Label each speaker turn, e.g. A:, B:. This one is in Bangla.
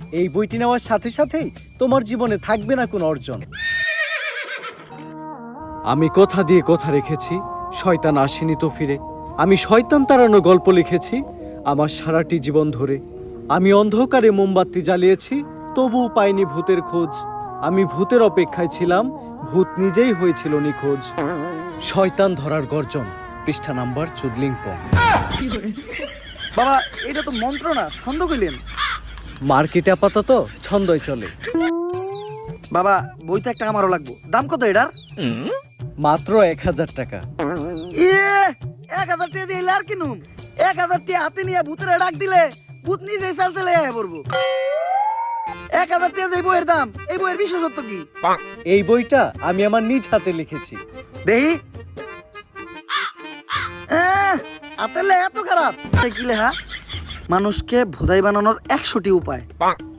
A: এই বইটি নেওয়ার সাথে সাথেই তোমার জীবনে থাকবে না কোনো অর্জন। আমি কথা দিয়ে কথা রেখেছি, শয়তান আসেনি তো ফিরে। আমি শয়তান তাড়ানো গল্প লিখেছি আমার সারাটি জীবন ধরে। আমি অন্ধকারে মোমবাতি জ্বালিয়েছি, তবুও পাইনি ভূতের খোঁজ। আমি ভূতের অপেক্ষায় ছিলাম, ভূত নিজেই হয়েছিল নিখোঁজ। শয়তান ধরার গর্জন, পৃষ্ঠা নাম্বার চুদলিংপং।
B: বাবা এটা তো মন্ত্র না, ছন্দ কইলেন।
A: মার্কেটে আপাতত ছন্দই চলে।
B: বাবা বইটা একটা আমারও লাগবো, দাম কত এটার?
A: মাত্র 1000 টাকা।
B: ইয়ে 1000 টাকা দিয়ে আর কিনুম? 1000 টাকা হাতে নিয়ে ভূতের ডাক দিলে ভূত নিজেই চাল চলে আয় পড়বো। 1000 টাকা দিয়ে বইয়ের দাম, এই বইয়ের বিশেষত্ব কি?
A: এই বইটা আমি আমার নিজ হাতে লিখেছি।
B: দেহি হাতের লেখা এত খারাপ? কি লেখা? মানুষকে ভোদাই বানানোর 100টি উপায়।